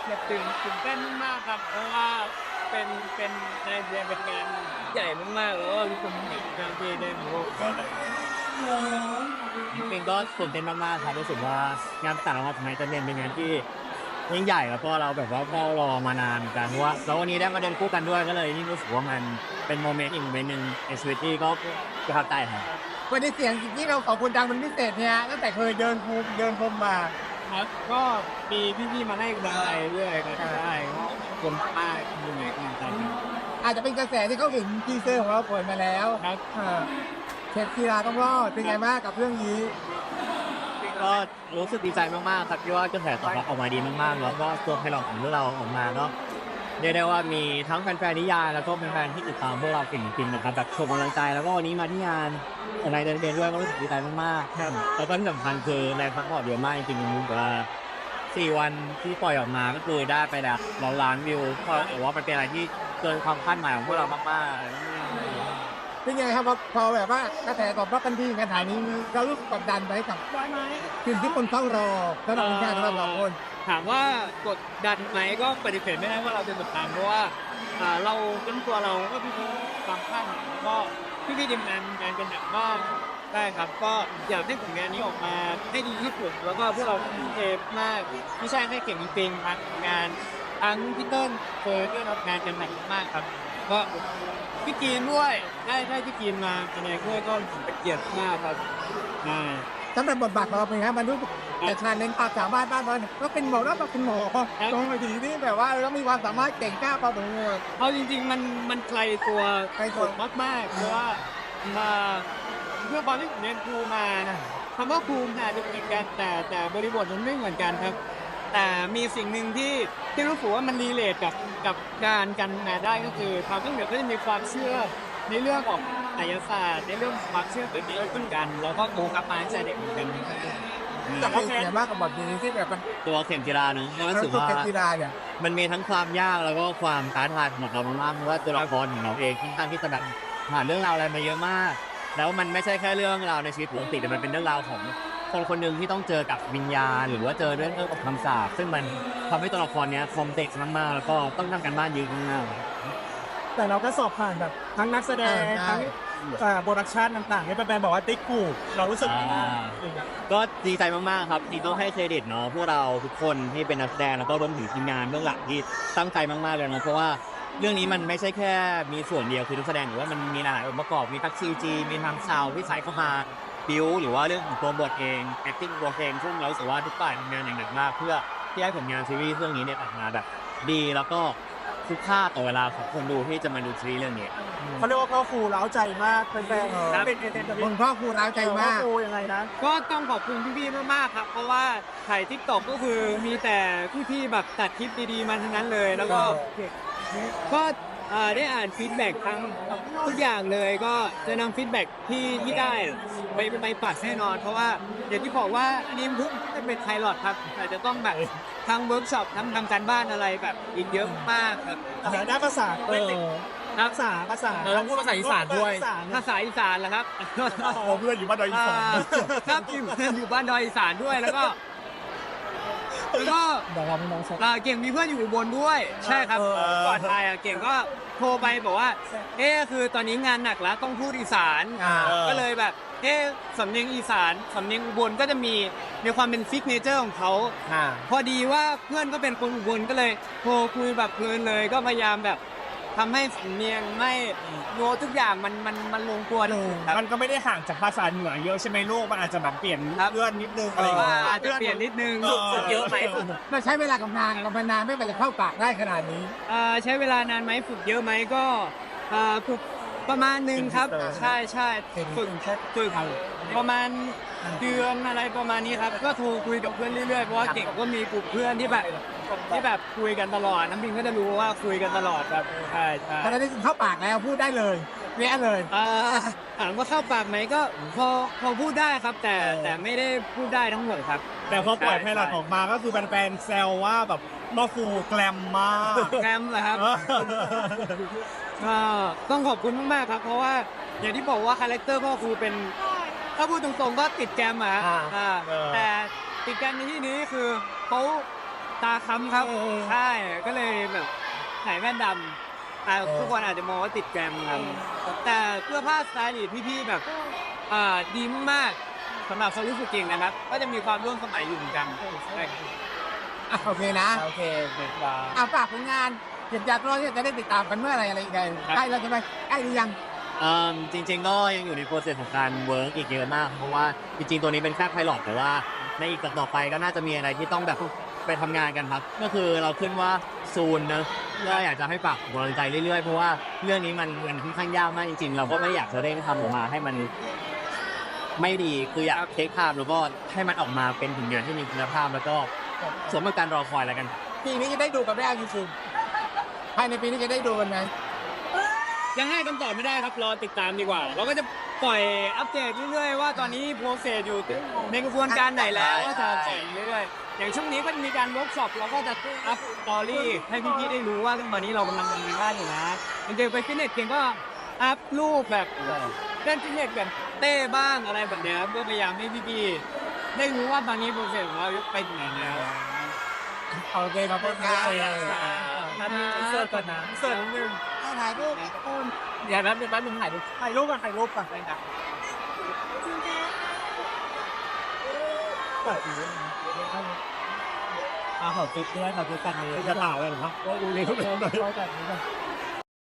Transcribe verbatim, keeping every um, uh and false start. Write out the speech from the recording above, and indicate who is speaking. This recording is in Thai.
Speaker 1: ตื่นตื่นเต้นมากครับเพราะว่าเป็นเป็นในเดือนเป็นงานใหญ่มากๆแล้วก็ทุกคนเห็นการที่ได้มาร่วมกัน
Speaker 2: จริงๆก็ตื่นเต้นมากๆครับรู้สึกว่างานต่างจังหวัดไทยจะเรียนเป็นงานที่ยิ่งใหญ่แล้วก็เราแบบว่าเฝ้ารอมานานเหมือนกันเพราะว่าแล้ววันนี้ได้มาเดินคู่กันด้วยก็เลยยิ่งรู้สึกว่ามันเป็นโมเมนต์อีกโมเมนต์หนึ่งในชีวิตที่ก็ประทับใจครับ
Speaker 3: วันนี้เสียงที่เราขอบคุณดังเป็นพิเศษเนี่ยตั้งแต่เคยเดินภูมิเดินพรมมา
Speaker 1: ครับก็มีพี่ๆมาให้กำลังใจเรื่อยครับได้ก็ขอบคุณมากที่มีกำลังใจครับ
Speaker 3: อาจจะเป็นกระแสที่เขาเห็นทีเซอร์ของเราเปิดมาแล้ว
Speaker 1: ครับ
Speaker 3: เออเชฟกีฬาต้องรอดเป็นไงบ้างกับเรื่องนี้
Speaker 2: ก็รู้สึกดีใจมากๆครับที่ว่ากระแสตอบรับออกมาดีมากๆแล้วก็ตัวไพลอตของพวกเราออกมาก็เรียกได้ว่ามีทั้งแฟนๆนิยายแล้วก็แฟนๆที่ติดตามพวกเราเก่งจริงๆนะครับแบบส่งกำลังใจแล้วก็วันนี้มาที่งานในเดินเดินด้วยก็รู้สึกดีใจมากๆครับแล้วก็ที่สำคัญคือในพักผ่อนเยอะมากจริงๆผมว่าสี่วันที่ปล่อยออกมาก็คือได้ไปแบบร้อยล้านวิวก็ถือว่ามันเป็นอะไรที่เกินความคาดหมายของพวกเรามากๆ
Speaker 3: เป็นไงครับพอพอแบบว่ากระแสตอบรับกันดีกันถ่ายนี้เรารู้สึกกดดันไปกับสิ่งที่คนเฝ้ารอสำหรับผลงานของเราสองคน
Speaker 1: ถามว่ากดดันไหมก็ปฏิเสธไม่ได้ว่าเราจะกดดันเพราะว่าอ่าเราเป็นตัวเราก็พี่ๆบางท่านก็พี่ๆทีมงานงานกันหนักมากได้ครับ ก็อยากให้ผลงานนี้ออกมาให้ดีที่สุดแล้วก็พวกเราทุ่มเทมากไม่ใช่แค่เก่งจริงๆครับงานทั้งพี่เติ้ลเฟิร์สด้วยรับงานกันหนักมากครับ ก็พี่กีนด้วยได้ได้พี่กีนมาแสดงด้วยก็เป็นเกียรติมากครับอ่า
Speaker 3: สำหรับบทบาทของเราเป็นไงมันรู้สึกแต่ชาเลนจ์ความสามารถบ้านเราเนี่ยก็เป็นหมอแล้วก็เป็นหมอตรงไปทีที่แบบว่าเรามีความสามารถเก่งกล้าพอสมควร
Speaker 1: เอาจริงๆมันมันไกลตัว
Speaker 3: ไกลตัว
Speaker 1: มากมากๆเพราะว่ามาเพื่อตอนที่ผมเรียนครูมาคำว่าครูอาจจะเหมือนกันแต่แต่บริบทมันไม่เหมือนกันครับ แต่มีสิ่งหนึ่งที่ที่รู้สึกว่ามันรีเลทกับกับการกันมาได้ก็คือความที่เหนือก็จะมีความเชื่อในเรื่องของไสยศาสตร์ในเรื่องของความเชื่อแบบนี้เหมือนกันแล้วก็โตกลับมาตั้งแต่เด็กเหมือนกัน
Speaker 3: แต่ก็เป็นไงบ้างกับบทนี้ที่แบบมัน
Speaker 2: ตัวเข็มจีราเนอะรู้สึก
Speaker 3: ตัว
Speaker 2: ว่า
Speaker 3: เก่งกีฬาเนี่ย
Speaker 2: มันมีทั้งความยากแล้วก็ความท้าทายของเรามากๆเพราะว่าตัวละครของเราเองค่อนข้างที่จะแบบผ่านเรื่องราวอะไรมาเยอะมาก แล้วมันไม่ใช่แค่เรื่องราวในชีวิตปกติแต่มันเป็นเรื่องราวของคนคนหนึ่งที่ต้องเจอกับวิญญาณหรือว่าเจอเรื่องกับคำสาปซึ่งมันทำให้ตัวละครเนี้ยคอมเพล็กซ์มากๆแล้วก็ต้องทำกันบ้านเยอะมากๆ
Speaker 4: แต่เราก็สอบผ่านแบบทั้งนักแสดง
Speaker 3: เออใช่
Speaker 4: ทั้งอ่าโปรดักชันต่างๆที่แฟนๆบอกว่าติ๊กกูเรารู้สึกยังไงบ้าง
Speaker 2: ก็ดีใจมากๆครับที่ต้องให้เครดิตเนาะพวกเราทุกคนที่เป็นนักแสดงแล้วก็รวมถึงทีมงานเบื้องหลังที่ตั้งใจมากๆเลยนะเพราะว่าเรื่องนี้มันไม่ใช่แค่มีส่วนเดียวคือทุกแสดงหรือว่ามันมีหลายองค์ประกอบมีทั้งซีจีมีทั้งซาวด์ที่ใส่เข้ามาบิวหรือว่าเรื่องของตัวบทเอง acting ตัวเองซึ่งเรารู้สึกว่าทุกฝ่ายทำงานอย่างหนักมากเพื่อที่ให้ผลงานซีรีส์เรื่องนี้เนี่ยออกมาแบบดีแล้วก็คุ้มค่าต่อเวลาของคนดูที่จะมาดูซีรีส์เรื่องนี้
Speaker 4: เขาเรียกว่าพ่อครูเล้าใจมากแฟน
Speaker 3: เออ
Speaker 4: ๆเป็นเอเจนต์
Speaker 3: คนพ่อครูร้าวใจ
Speaker 4: พ่อ
Speaker 3: มาก
Speaker 4: ครูยังไงนะ
Speaker 1: ก็ต้องขอบคุณพี่ๆมากๆครับ เพราะว่าถ่ายทิกตอกก็คือมีแต่พี่ๆแบบตัดคลิปดีๆมาทั้งนั้นเลย แล้วก็ก็เอ่อได้อ่านฟีดแบ็กทั้งทุกอย่างเลยก็จะนำฟีดแบ็กที่ที่ได้ไปไปปัดแน่นอน เพราะว่าอย่างที่บอกว่าอันนี้เพิ่งเป็นไพลอตครับแต่จะต้องแบบทั้งเวิร์กช็อปทั้งทำการบ้านอะไรแบบอีกเยอะมากครับ
Speaker 4: แต่ด้านภาษา
Speaker 1: เออ
Speaker 4: ภาษาภาษา
Speaker 1: เราต้องพูดภาษาอีสานด้วย
Speaker 4: ภาษา
Speaker 1: ภาษาอีสานเหรอครับ
Speaker 4: เพื่อนอยู่บ้านดอยอีสาน
Speaker 1: ครับอยู่อยู่บ้านดอยอีสานด้วยแล้วก็แล้วก็
Speaker 4: เดี๋ยวเราไม่น้องสัก
Speaker 1: อ่าเก่งมีเพื่อนอยู่อุบลด้วย ใช่ครับ
Speaker 4: เออ
Speaker 1: ก่อนไปอ่ะเก่งก็โทรไปบอกว่า เอ๊ะคือตอนนี้งานหนักแล้วต้องพูดอีสาน
Speaker 3: อ่า
Speaker 1: ก็เลยแบบ เอ๊ะสำเนียงอีสานสำเนียงอุบลก็จะมีมีความเป็นซิกเนเจอร์ของเขา
Speaker 3: อ่า
Speaker 1: พอดีว่าเพื่อนก็เป็นคนอุบลก็เลยโทรคุยแบบเพลินเลยก็พยายามแบบทำให้สำเนียงไม่โน้ตทุกอย่างมันมันมันลงตัวที่สุดครับ
Speaker 4: มันก็ไม่ได้ห่างจากภาษาเหนือเยอะใช่ไหมลูกมันอาจจะแบบเปลี่ยน
Speaker 1: ครับ
Speaker 4: เลื่อนนิดนึงอะไรอย่างเงี้ย
Speaker 1: อาจจะเปลี่ยนนิดนึง
Speaker 4: เออ
Speaker 1: ฝึกเยอะไหมฝึก
Speaker 3: เราใช้เวลากับงานกับนานไม่เป็นไรเข้าปากได้ขนาดนี้
Speaker 1: เอ่อใช้เวลานานไหมฝึกเยอะไหมก็เอ่อฝึกประมาณหนึ่งครับ ใช่ใช่ฝึกฝึกประมาณเดือนอะไรประมาณนี้ครับ ก็โทรคุยกับเพื่อนเรื่อยๆเพราะว่าเก่งก็มีกลุ่มเพื่อนที่แบบที่แบบคุยกันตลอดน้ำพิงก็จะรู้ว่าคุยกันตลอดครับใช่ใช่
Speaker 3: ตอนนี้เข้าปากแล้วพูดได้เลยเนี้ยเลย
Speaker 1: เอ่อถามว่าเข้าปากไหมก็พอพอพูดได้ครับ แต่แต่ไม่ได้พูดได้ทั้งหมดครับ
Speaker 4: แต่พอปล่อยไพลอตออกมาก็คือแฟนๆแซวว่าแบบพ่อครูแกลมมาก
Speaker 1: แกรมเหรอครับ ก็ต้องขอบคุณมากๆครับ เพราะว่าอย่างที่บอกว่าคาแรคเตอร์พ่อครูเป็นถ้าพูดตรงๆก็ติดแกรมอะ
Speaker 3: อ่า
Speaker 1: อ่า
Speaker 4: เออ
Speaker 1: แต่ติดแกรมในที่นี้คือเขาตาค้ำครับใช่ก็เลยแบบใส่แว่นดำแต่ทุกคนอาจจะมองว่าติดแกรมครับแต่เสื้อผ้าสไตล์พี่ๆแบบอ่าดีมากสำหรับเขารู้สึกเก่งนะครับ ก็จะมีความร่วมสมัยอยู่เหมือนกันใช่ครับ
Speaker 3: อ่ะโอเคนะ
Speaker 1: โอเคเด็ดดา
Speaker 3: อ่ะฝากผลงานเห็นจากเราเนี่ยจะได้ติดตามกันเมื่อไหรอะไรยังไงใกล้แล้วใช่ไหมใกล้หรือยัง
Speaker 2: เอ่อจริงๆก็ยังอยู่ในโปรเซสของการเวิร์กอีกเยอะมาก เพราะว่าจริงๆตัวนี้เป็นแค่ไพลอตแต่ว่าในอีกต่อไปก็น่าจะมีอะไรที่ต้องแบบไปทำงานกันครับ ก็คือเราขึ้นว่าซูนเนอะก็อยากจะให้ฝากกำลังใจเรื่อยๆ เพราะว่าเรื่องนี้มันมันค่อนข้างยากมากจริงๆ เราก็ไม่อยากจะเร่งทำออกมาให้มันไม่ดีคืออยากเทคภาพแล้วก็ให้มันออกมาเป็นผลงานที่มีคุณภาพแล้วก็สมกับการรอคอยแล้วกัน
Speaker 3: ปีนี้จะได้ดูกันได้จริงๆภายในปีนี้จะได้ดูกันไหม
Speaker 1: ยังให้คำตอบไม่ได้ครับรอติดตามดีกว่า เราก็จะปล่อยอัปเดตเรื่อยๆว่าตอนนี้โปรเซสอยู่ในกระบวนการไหนแล้วก็จะปล่อยเรื่อยๆอย่างช่วงนี้ก็จะมีการเวิร์กช็อปเราก็จะอัพสตอรี่ให้พี่ๆได้รู้ว่าตอนนี้เรากำลังทำงานอยู่นะจริงๆไปฟิตเนสเก่งก็อัพรูปแบบเล่นฟิตเนสแบบเต้บ้างอะไรแบบเนี้ยเพื่อพยายามให้พี่ๆได้รู้ว่าตอนนี้โปรเซสของเราไปถึงไหนแล้ว
Speaker 3: โอเคขอบคุณครับ
Speaker 1: นัดนี้เสิร์ฟก่อนนะเสิร์ฟนิดนึง
Speaker 3: ถ่ายรูปคุณ
Speaker 1: อย่าแป๊บนึงแป๊บนึงถ่ายรูป
Speaker 3: ถ่ายรูปกันถ่ายรูปกัน
Speaker 1: ได้ครับ
Speaker 3: อ่าขอติ๊กด้วยขอติ๊กกันเลย
Speaker 4: จะถ่ายเลยเหรอครับก็ดูในรูปเลย
Speaker 3: ขอจัดนี้ก่อน